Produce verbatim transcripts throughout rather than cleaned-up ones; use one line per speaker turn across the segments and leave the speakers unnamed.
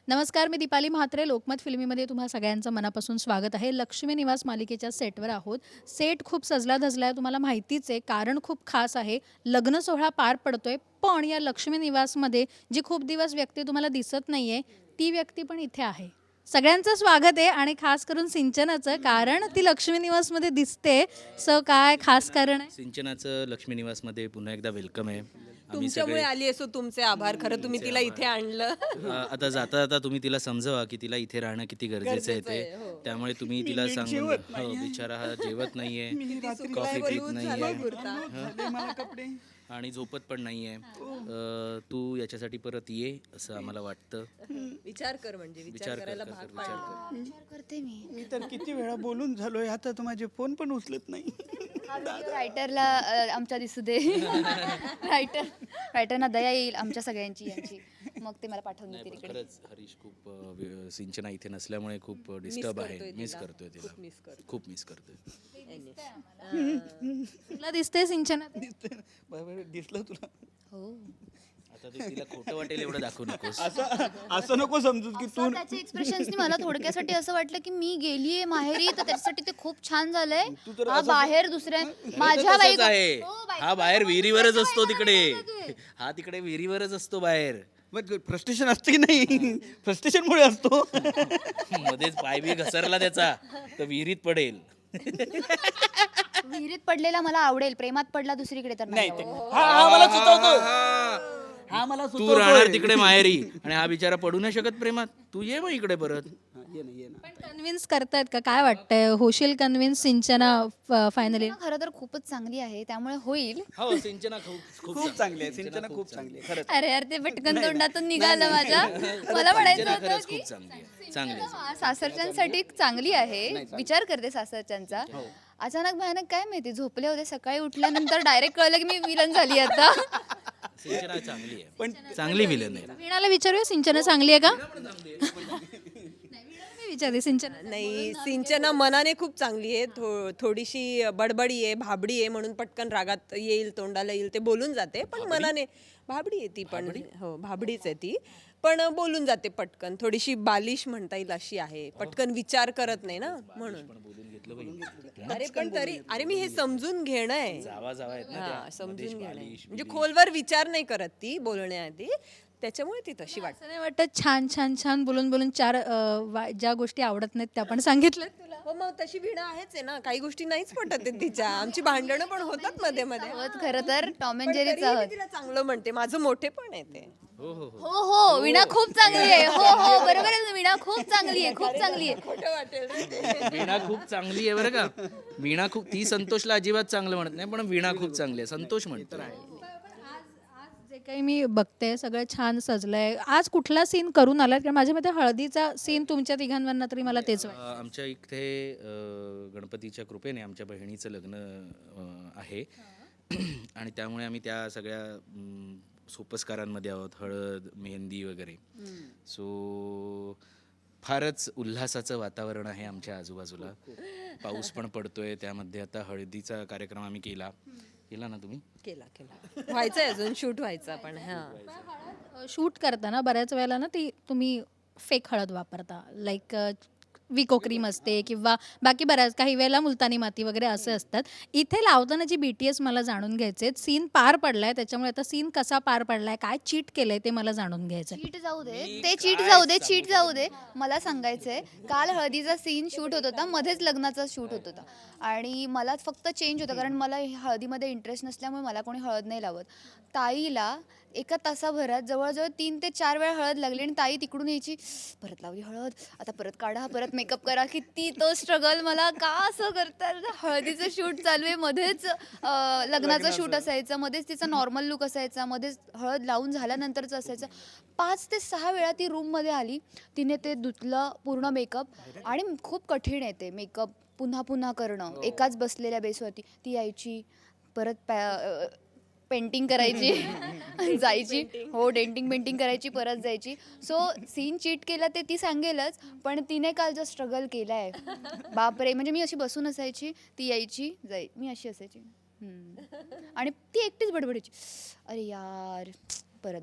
नमस्कार, मी दीपाली म्हात्रे. लोकमत फिल्मीमध्ये तुम्हा सगळ्यांचं मनापासून स्वागत आहे. लक्ष्मी निवास मालिकेच्या सेटवर आहोत. सेट खूप सजला धजला आहे, तुम्हाला माहितीच आहे. कारण खूप खास आहे. लग्न सोहळा पार पडतोय, पण या लक्ष्मी निवासमध्ये जी खूप दिवस व्यक्ती तुम्हाला दिसत नाही आहे, ती व्यक्ती पण इथे आहे. सगळ्यांचं स्वागत आहे आणि खास करून सिंचनाचं, कारण ती लक्ष्मी निवासमध्ये दिसते. सो काय खास कारण आहे?
सिंचनाचं लक्ष्मी निवासमध्ये पुन्हा एकदा वेलकम आहे. आम्ही
तुमच्यामुळे आली असो, तुमचे आभार. खरं तुम्ही तिला इथे आणलं.
अ, आता जाता जाता तुम्ही तिला समजवा की तिला इथे राहणं किती गरजेचं आहे
गरजेचं आहे,
ते.
हो.
त्यामुळे तुम्ही तिला सांगून हो, बिचारा हा जेवत नाहीये, कॉफी पीत नाहीये
मला कपडे
आणि झोपत पण नाहीये. अ, तू याच्यासाठी परत ये असं आम्हाला वाटतं.
विचार कर, म्हणजे विचार
विचार कर,
करायला
कर,
भाग
कर, विचार
पाडलं.
विचार करते मी.
मी तर किती वेळा बोलून झालोय, आता तर माझे फोन पण उचलत नाही.
रायटरला अ, आमच्या दिसू दे. रायटर रायटरना दया येईल आमच्या सगळ्यांची यांची, मग ते मला पाठवून
नाही,
देतील
पण
इकडे.
खरंच हरीश खूप अ, वि- सिंचना इथे नसल्यामुळे खूप डिस्टर्ब आहे.
करतोय
मिस
तिला.
करतोय तिला,
खूप miss करतोय.
खूप मिस करतोय.
तुला दिसते सिंचना?
दिसतंय ना? बरोबर, दिसलं तुला?
हो,
आता तू तिला खोटं वाटेल एवढं दाखवू नकोस.
असं असं नको समजू की तू
त्याच्या एक्सप्रेशन्सनी मला थोडक्यासाठी असं वाटलं की मी गेलीये माहेरी, तर त्याच्यासाठी ते खूप छान झालंय. हा बाहेर दुसऱ्या माझ्या
तसंच
बायको-
आहे.
हो, बायको-
हा बाहेर विहिरीवरच असतो
बायको-
तिकडे.
बायको-
हा तिकडे विहिरीवरच असतो बाहेर.
फ्रस्ट्रेशन असतं की नाही? फ्रस्ट्रेशन मुळे असतो.
मध्येच पाय बी घसरला त्याचा तर विहिरीत पडेल.
विहिरीत पडलेला मला आवडेल, प्रेमात पडला दुसरीकडे तर नाही
नाही ते-
आवडत.
हा हा मला सुचवतो. हा मला
तू राहणार तिकडे माहेरी आणि हा बिचारा पडू नाही शकत प्रेमात. तू ये मग इकडे परत.
हा, ये ना ये ना.
पण कन्व्हिन्स करतायत का? काय वाटतंय, होशील कन्व्हिन्स सिंचना फायनली?
खरं तर खूपच चांगली आहे, त्यामुळे होईल.
हो सिंचना खूप खूप
खूप चांगली आहे सिंचना, खूप चांगली आहे खरंच.
अरे यार, ते पटकन तोंडातून निघालं माझ्या. मला म्हणायचं
सिंचना
होतं
खरंच
की
खूप चांगली आहे. चांगली आहे.
हा, सासरच्यांसाठी चांगली आहे. विचार करते सासरच्यांचा. अचानक भयानक काय माहिती, झोपले होते, सकाळी उठल्यानंतर डायरेक्ट कळलं की मी विलन झाली आता.
सिंचना चांगली आहे, पण चांगली विलन आहे.
वीणाला विचारूया, सिंचना चांगली आहे का? मी विचारते सिंचना.
नाही, सिंचना मनाने खूप चांगली आहे. थो थोडीशी बडबडी आहे, भाबडी आहे, म्हणून पटकन रागात येईल, तोंडाला येईल ते बोलून जाते. पण मनाने भाबडी आहे ती पण. हो, भाबडीच आहे ती, पण बोलून जाते पटकन. थोडीशी बालिश म्हणता येईल अशी आहे. पटकन विचार करत नाही ना, म्हणून.
बोलून घेतलं पाहिजे.
अरे पण तरी, अरे मी हे समजून घेणं आहे.
जावा जावा आहेत ना
हा,
त्या.
समजून घेणं आहे.
बालिश,
म्हणजे खोलवर विचार नाही करत ती बोलण्याआधी, त्याच्यामुळे ती तशी वाटते.
असं नाही वाटत छान छान छान बोलून बोलून चार अ, वा- ज्या गोष्टी आवडत नाहीत त्या पण सांगितलं तुला?
हो, मग तशी वीणा आहेच आहे ना. काही गोष्टी नाहीच पटत आहेत तिच्या. आमची भांडणं पण होतात मध्ये मध्ये.
आहोत खरं तर टॉम अँड
पण
जेरीच
तरीही मी
आहोत.
तिला चांगलं म्हणते. माझं मोठे पण आहे ते.
हो हो हो.
हो हो, वीणा खूप चांगली आहे. हो हो, बरोबर आहे, वीणा खूप चांगली आहे, खूप चांगली आहे.
खोटं वाटेल रे ते.
वीणा खूप चांगली आहे बरं का. वीणा खूप, ती संतोषला अजिबात चांगलं म्हणत नाही, पण वीणा खूप चांगली आहे. संतोष म्हणतो.
आज जे काही मी बघते सगळं छान सजलंय. आज कुठला सीन करून आलात? कारण माझ्या मते हळदीचा सीन तुमच्या तिघांवरनं तरी मला तेच वाटतं.
अ, आमच्या इथे अ, गणपतीच्या कृपेने आमच्या बहिणीचं लग्न अ, आहे आणि त्यामुळे आम्ही त्या सगळ्या म, सोपस्कारांमध्ये आहोत. हळद, मेहंदी वगैरे. सो फारच उल्हासाचं वातावरण आहे आमच्या आजूबाजूला. पाऊस पण पडतोय. त्यामध्ये आता हळदीचा कार्यक्रम आम्ही केला केला ना तुम्ही?
केला केला व्हायचंय, अजून शूट व्हायचा पण. हा,
शूट करताना बऱ्याच वेळेला ना ती तुम्ही फेक हळद वापरता, लाईक विको क्रीम असते किंवा बाकी बऱ्याच काही वेळेला मुलतानी माती वगैरे असे असतात. इथे लावताना जी बी टी एस मला जाणून घ्यायचे, सीन पार पडलाय, त्याच्यामुळे आता सीन कसा पार पडलाय, काय चीट केलंय ते मला जाणून घ्यायचं.
चीट जाऊ दे, ते चीट जाऊ दे, चीट जाऊ दे. मला सांगायचंय, काल हळदीचा सीन शूट होत होता, मध्येच लग्नाचा शूट होत होता आणि मला फक्त चेंज होतं, कारण मला हळदीमध्ये इंटरेस्ट नसल्यामुळे मला कोणी हळद नाही लावत. ताईला एका तासाभरात जवळजवळ तीन ते चार वेळा हळद लागली आणि ताई तिकडून यायची, परत लावली हळद, आता परत काढा, परत मेकअप करा. किती तो स्ट्रगल. मला का असं करतात? हळदीचं शूट चालू आहे, मध्येच अं, लग्नाचं शूट असायचं, मध्येच तिचा नॉर्मल लुक असायचा, मध्येच हळद लावून झाल्यानंतरचं असायचं. पाच ते सहा वेळा ती रूममध्ये आली, तिने ते धुतलं पूर्ण मेकअप, आणि खूप कठीण आहे ते मेकअप पुन्हा पुन्हा करणं एकाच बसलेल्या बेसवरती. ती यायची, परत पॅ पेंटिंग करायची, जायची. हो, डेंटिंग पेंटिंग करायची, परत जायची. सो सीन चीट केला ते ती सांगेलच, पण तिने काल जो स्ट्रगल केला आहे, बापरे. म्हणजे मी अशी बसून असायची, ती यायची, जाई, मी अशी असायची, आणि ती एकटीच बडबडायची, अरे यार परत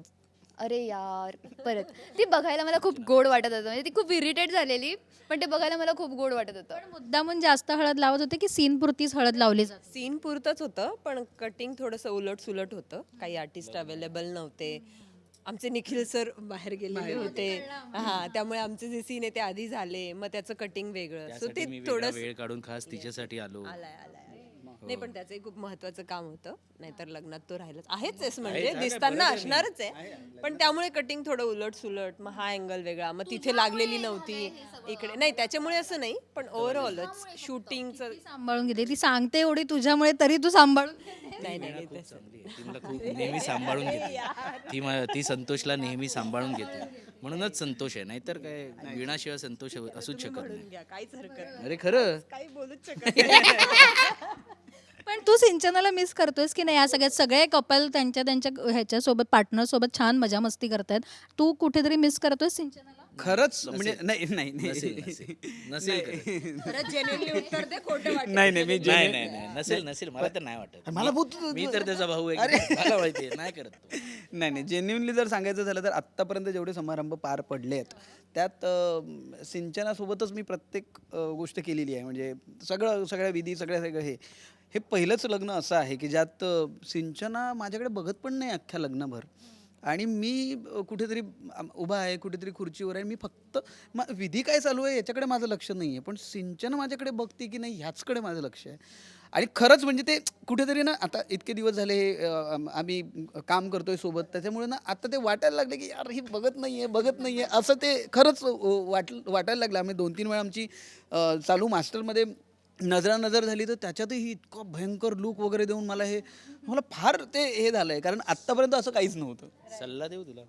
अरे यार परत ती बघायला मला खूप गोड वाटत होतं. म्हणजे ती खूप इरिटेट झालेली, पण ते बघायला मला खूप गोड वाटत होतं.
पण मुद्दामून जास्त हळद लावत होते की सीन पुरतीच हळद लावली जाते?
सीन पुरतंच होतं, पण कटिंग थोडंसं उलट सुलट होतं. काही आर्टिस्ट अवेलेबल नव्हते. आमचे निखिल सर बाहेर गेलेले होते, हा, त्यामुळे आमचे जे सीन आहे ते आधी झाले, मग त्याचं कटिंग वेगळं. सो
त्यासाठी
ते
मी वेगळा
थोडं
वेळ काढून खास तिच्यासाठी आलो.
आलाय आलाय नाही, पण त्याचंही खूप महत्वाचं काम होतं, नाहीतर लग्नात तो राहिलाच आहेच आहेस म्हणजे दिसताना असणारच आहे, पण त्यामुळे कटिंग थोडं उलट सुलट, मग हा अँगल वेगळा, मग तिथे लागलेली नव्हती इकडे, नाही त्याच्यामुळे असं नाही, पण ओव्हरऑलच शूटिंगचं.
ती सांभाळून घेते, ती सांगते एवढी तुझ्यामुळे तरी तू सांभाळून घेते.
नाही नाही नाही,
खूप
तसं
चांगली आहे. ती मला खूप नेहमी सांभाळून घेते. ती मा- ती संतोषला नेहमी सांभाळून घेते, म्हणूनच संतोष आहे. नाहीतर काय विणाशिवाय संतोष असूच शकत नाही.
घ्या, काहीच हरकत नाही,
अरे खरं
काही बोलूच शकत नाही.
पण तू सिंचनाला मिस करतोयस की नाही? या सगळ्यात सगळे कपल त्यांच्या त्यांच्या ह्याच्यासोबत पार्टनर सोबत छान मजा मस्ती करतायत, तू कुठेतरी मिस करतोयस सिंचनाला?
खरंच म्हणजे नाही नाही
नसेल
नाही
नसेल नसेल करत.
खरंच genuinely उत्तर दे, खोटं वाटेल.
नाही नाही मी
नाही नाही नाही नसेल नसेल मला तर नाही वाटत.
मला
मी-
बहुत-
मी तर त्याचा भाऊ आहे की मला माहिती आहे, नाही करत तो.
नाही नाही जेन्युनली जर सांगायचं झालं तर आत्तापर्यंत जेवढे समारंभ पार पडले आहेत त्यात अं, सिंचनासोबतच मी प्रत्येक अं, गोष्ट केलेली आहे. म्हणजे सगळं सगळ्या विधी सगळ्या सगळं हे हे पहिलंच लग्न असं आहे की ज्यात अं, सिंचना माझ्याकडे बघत पण नाही अख्ख्या लग्नभर, आणि मी अं, कुठेतरी अं, उभा आहे, कुठेतरी खुर्चीवर आहे. मी फक्त मा विधी काय चालू आहे याच्याकडे माझं लक्ष नाही आहे, पण सिंचना माझ्याकडे बघते की नाही ह्याचकडे माझं लक्ष आहे. आणि खरंच म्हणजे ते कुठेतरी ना आता इतके दिवस झाले अं, आम- आम्ही काम करतोय सोबत, त्याच्यामुळे ना आता ते वाटायला लागले की यार ही बघत नाही आहे बघत नाही आहे असं ते खरंच अं, वाट वाटायला लागलं. आम्ही दोन तीन वेळा आमची अं, चालू मास्टरमध्ये नजरा नजर झाली, तर त्याच्यातही इतकं भयंकर लूक वगैरे देऊन मला हे मला फार ते हे झालंय, कारण आत्तापर्यंत असं काहीच नव्हतं.
सल्ला देऊ तुला?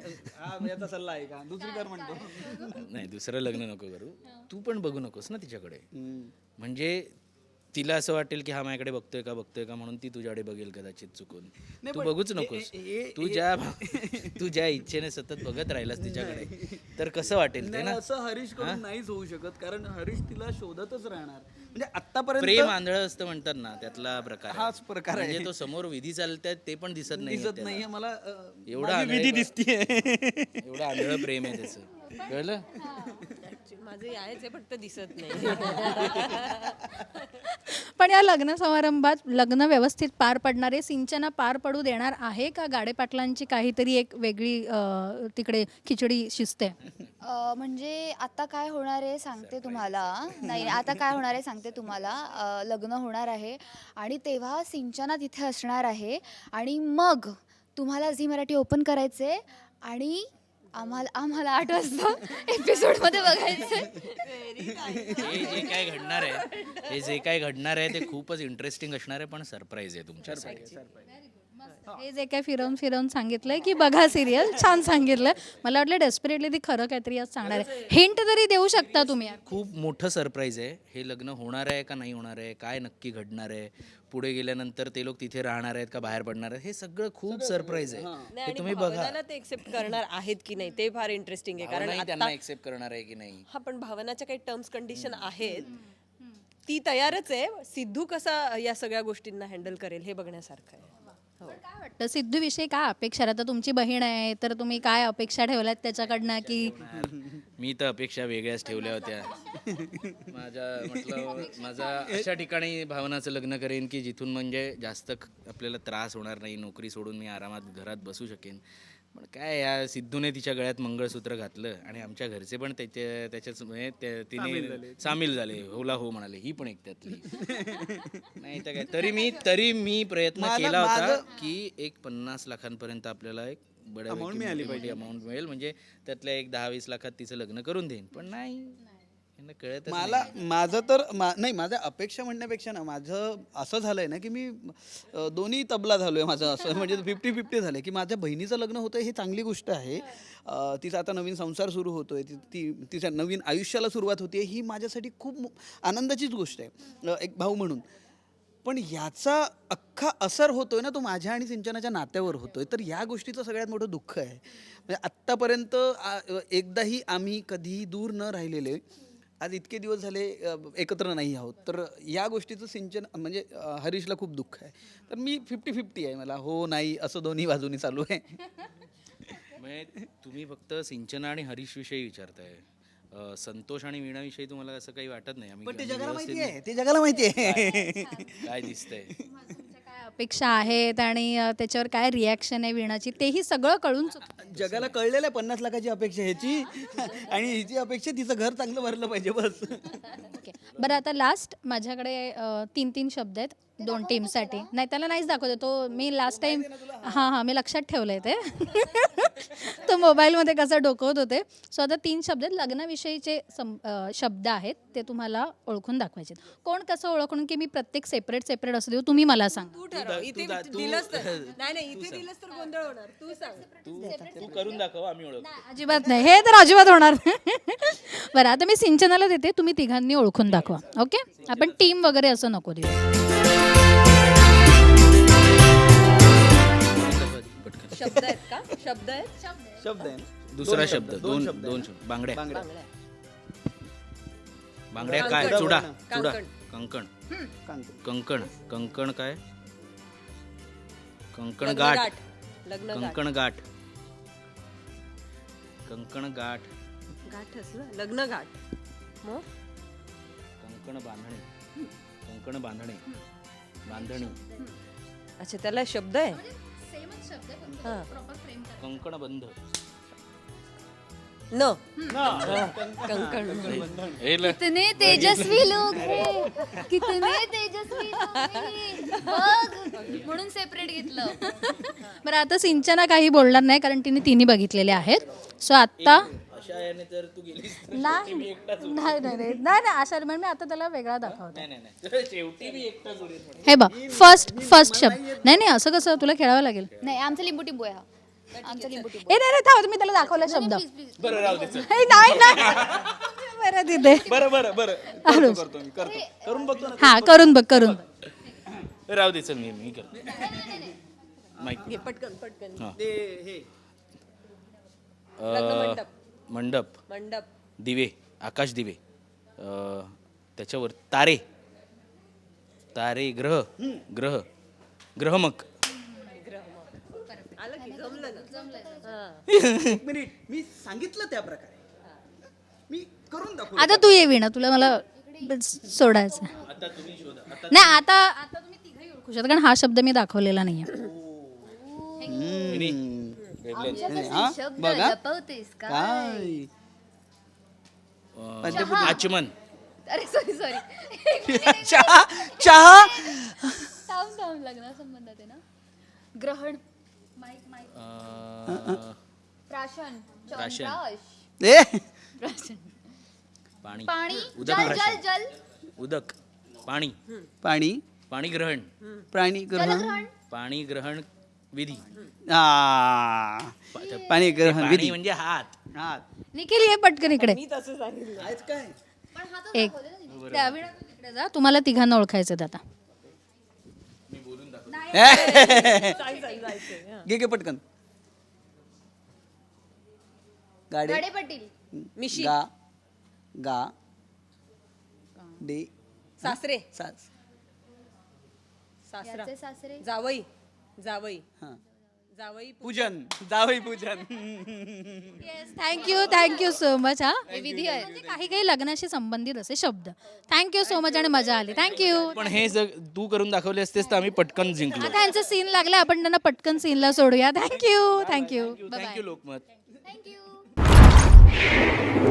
हा याचा सल्ला आहे का दुसरी कर म्हणतो.
नाही दुसरं लग्न नको करू, तू पण बघू नकोस ना तिच्याकडे. म्हणजे तिला असं वाटेल की हा माझ्याकडे बघतोय का बघतोय का म्हणून ती तुझ्याकडे बघेल कदाचित चुकून. तू बघूच नकोस. तू ज्या तू ज्या इच्छेने सतत बघत राहिलास तिच्याकडे तर कसं वाटेल ते
नाही,
ना.
असं हरीश कडून नाहीच होऊ शकत, कारण हरीश तिला शोधतच राहणार. म्हणजे आतापर्यंत
प्रेम आंधळं असतं म्हणतात ना, त्यातला प्रकार आहे.
हाच प्रकार आहे.
म्हणजे तो समोर विधी चालतात ते पण दिसत नाही
दिसत नाहीये मला अं,
एवढा
माझी विधी दिसतीये.
एवढं आंधळं प्रेम आहे त्याचं, कळलं?
माझं आहेच आहे, फक्त दिसत नाही.
पण या लग्न समारंभात लग्न व्यवस्थित पार पडणारे सिंचना पार पडू देणार आहे का? गाडे पाटलांची काहीतरी एक वेगळी अं, तिकडे खिचडी शिजते.
अ, म्हणजे आता काय होणार आहे सांगते तुम्हाला. नाही आता काय होणार आहे सांगते तुम्हाला. अ, लग्न होणार आहे आणि तेव्हा सिंचना तिथे असणार आहे, आणि मग तुम्हाला झी मराठी ओपन करायचे आणि आम्हाला आम्हाला आठ वाजता एपिसोडमध्ये बघायचं.
हे जे काय घडणार आहे हे जे काय घडणार आहे ते खूपच इंटरेस्टिंग असणार आहे, पण सरप्राईज आहे तुमच्यासाठी.
हे जे काय फिरवून फिरवून सांगितलंय की बघा सिरियल, छान सांगितलंय. मला वाटलं डेस्परेटली ती खरं काहीतरी आज सांगणार आहे. हिंट तरी देऊ शकता तुम्ही?
खूप मोठं सरप्राईज आहे. हे लग्न होणार आहे का नाही होणार आहे, काय नक्की घडणार आहे, पुढे गेल्यानंतर ते लोक तिथे राहणार आहेत का बाहेर पडणार आहेत, हे सगळं खूप सरप्राईज आहे.
नाही,
हे
आणि
तुम्ही बघा.
भावनाला ते एक्सेप्ट करणार आहेत की नाही ते फार इंटरेस्टिंग आहे, कारण
भावनाही
आता
त्यांना एक्सेप्ट करणार आहे की नाही.
हा, पण भावनाच्या काही टर्म्स कंडिशन आहेत, ती तयारच आहे. सिद्धू कसा या सगळ्या गोष्टींना हँडल करेल हे बघण्यासारखं आहे. हो.
काय वाटतं सिद्धू विषयी काय अपेक्षा आहे? आता तुमची बहीण आहे तर तुम्ही काय अपेक्षा ठेवल्यात त्याच्याकडनं? की
मी तर अपेक्षा वेगळ्याच ठेवल्या होत्या. माझ्या म्हटलं माझा अशा ठिकाणी भावनाचं लग्न करेन की जिथून म्हणजे जास्त ख- आपल्याला त्रास होणार नाही, नोकरी सोडून मी आरामात घरात बसू शकेन. पण काय या सिद्धूने तिच्या गळ्यात मंगळसूत्र घातलं आणि आमच्या घरचे पण त्याच्या त्याच्याच म्हणजे त्या- तिने सामील झाले, होला हो म्हणाले. ही पण एक त्यातली. नाही तर काय, तरी मी तरी मी प्रयत्न
माझं-
केला होता
माझं-
की एक पन्नास लाखांपर्यंत आपल्याला एक बऱ्यापैकी मोठी मोठी अमाऊंट मिळेल, म्हणजे त्यातल्या एक दहा वीस लाखात तिचं लग्न करून देईन. पण नाही, यांना कळतच नाही.
मला माझं तर मा नाही माझ्या अपेक्षा म्हणण्यापेक्षा ना माझं असं झालंय ना की मी अ, दोन्ही तबला झालोय माझं, असं म्हणजे फिफ्टी फिफ्टी झालंय की माझ्या बहिणीचं लग्न होतं ही चांगली गोष्ट आहे. अ, तिचा आता नवीन संसार सुरू होतोय, ती ती तिच्या नवीन आयुष्याला सुरुवात होते, ही माझ्यासाठी खूप मो- आनंदाचीच गोष्ट आहे अ, एक भाऊ म्हणून. पण याचा अख्खा असर होतोय ना तो माझ्या आणि सिंचनाच्या नात्यावर होतोय, तर या गोष्टीचं सगळ्यात मोठं दुःख आहे. म्हणजे आत्तापर्यंत आ- एकदाही आम्ही कधीही दूर न राहिलेले आज इतके दिवस झाले अ, एकत्र नाही आहोत, तर या गोष्टीचं सिंचन म्हणजे अ, हरीशला खूप दुःख आहे. तर मी फिफ्टी फिफ्टी आहे, मला हो नाही असं दोन्ही बाजूनी चालू आहे.
म्हणजे तुम्ही फक्त सिंचना आणि हरीश विषयी विचारताय. अ, संतोष आणि वीणाविषयी तुम्हाला असं काही वाटत नाही? आम्ही
पण ते
आम्ही
जगाला
व्यवस्थित
माहिती आहे ते जगाला माहिती आहे
काय दिसतंय?
तुमच्या काय अपेक्षा आहेत आणि अ, त्याच्यावर काय रिॲक्शन आहे वीणाची तेही सगळं कळून चुकतं.
जगाला कळलेलं आहे पन्नास लाखाची अपेक्षा ह्याची आणि हिची अपेक्षा तिचं घर चांगलं भरलं पाहिजे बस.
ओके बरं आता लास्ट माझ्याकडे अ, तीन तीन शब्द आहेत दोन टीमसाठी. नाही त्याला नाहीच दाखवते तो मी लास्ट टाइम हां हां मी लक्षात ठेवलं आहे ते तो मोबाईलमध्ये कसं डोकवत होते. सो आता तीन शब्द आहेत लग्नाविषयीचे सम अ, शब्द आहेत ते तुम्हाला ओळखून दाखवायचे. कोण कसं ओळखून की मी प्रत्येक सेपरेट सेपरेट असू देऊ तुम्ही मला सांग.
तू ठरव इथे दिलंच तर नाही नाही इथे दिलंस तर गोंधळ होणार. तू सांग.
तू तू करून दाखव, आम्ही ओळखतो.
अजिबात नाही हे तर अजिबात होणार नाही. बरं आता मी सिंचनाला देते तुम्ही तिघांनी ओळखून दाखवा. ओके आपण टीम वगैरे असं नको देऊ.
पटकन.
शब्द आहेत का शब्द आहेत
शब्द आहे ना?
दुसरा शब्द दोन
शब्द
दोन शब्द. बांगड्या.
बांगड्या.
बांगड्या काय? चुडा चुडा
कांकण.
कंकण
कांकण.
कंकण कंकण काय? कंकण
लग्न
गाठ.
गाठ. लग्न गाठ.
कंकण गाठ. कंकण गाठ.
गाठच ना लग्न गाठ. मग
कंकण बांधणे. कंकण बांधणे. बांधणी.
अच्छा त्याला शब्द आहे. हा.
कंकण बंध.
न कंकण
हे ल-
कितने तेजस्वी लोग हे कितने तेजस्वी लोग हे. बघ म्हणून सेपरेट घेतलं.
बरं आता सिंचना काही बोलणार नाही कारण तिने तिन्ही बघितलेले आहेत. सो आत्ता
अशा याने जर तू गेलीस तर
नाही नाही नाही नाही नाही नाही अशा म्हणून मी आता त्याला वेगळा दाखवतो.
नाही नाही नाही. शेवटी मी एकटाच उरेल म्हणून.
हे बघ फर्स्ट फर्स्ट शब्द नाही नाही असं कसं तुला खेळावं लागेल.
नाही आमचा लिंबू टिंबू आहे हा. आमचा लिंबू टिंबू
ए नाही नाही थांब मी त्याला दाखवला शब्द.
बरं राहू दे चल.
हे नाही नाही बरं तिथे
बरं बरं बरं करतो करतो मी करतो करून बघतो ना.
हा करून बघ करून बघ.
राहू दे चल मी मी करतो. माईक.
घे पटकन पटकन.
हा.
ते हे
लग्न
अ,
मंडप.
मंडप.
मंडप.
दिवे. आकाश दिवे. अ, त्याच्यावर तारे. तारे ग्रह. ग्रह. ग्रहमक.
आलं की जमलं ना.
एक मिनिट मी सांगितलं त्या प्रकारे मी करून दाखवू.
आता तू ये वीणा तुला मला सोडायचं.
आता तुम्ही शोधा. आता
नाही आता आता तुम्ही तिघही ओळखू शकता कारण हा शब्द मी दाखवलेला नाहीये.
मिनी.
हा
शब्द
बघा
लपवतेस का?
काय
अ, आचमन.
अरे सॉरी सॉरी
चहा चहा
थांब थांब लग्ना संबंधात आहे ना. ग्रहण
अ,
प्राशन
प्राशन.
चंद्राश
ए
प्राशन
पाणी.
पाणी
उदक
जल जल
प्राशन.
जल
उदक. पाणी.
पाणी
पाणी ग्रहण.
प्राणी ग्रहण
जलग्रहण
पाणी ग्रहण विधी.
आ, पाणी ग्रहण
पाणी
विधी
म्हणजे हात.
हा
निखिल ये पटकन इकडे.
मी तसं सांगितलं.
आहेच काय
पण हा तो
एक
दाखवलेला नाही.
त्या वीणा तू तिकडे जा तुम्हाला तिघांना ओळखायचं आहे आता.
सांग सांग जायचंय. हा.
घे घे पटकन गाडे
गाडे पाटील
मिशी.
गा गा डे
सासरे.
सास
सासरा.
याचे सासरे
जावई. जावई.
हा
जावई.
पूजन जावई पूजन
थँक्यू थँक्यू सो मच. हा
हे विधी आहे.
म्हणजे काही काही लग्नाशी संबंधित असे शब्द. थँक्यू सो मच आणि मजा आली. थँक्यू.
पण हे जर तू करून दाखवले असतेस तर आम्ही पटकन जिंकलो.
आता यांचं सीन लागलं आपण त्यांना पटकन सीनला सोडूया. Thank you thank you bye
thank you Lokmat.
Thank you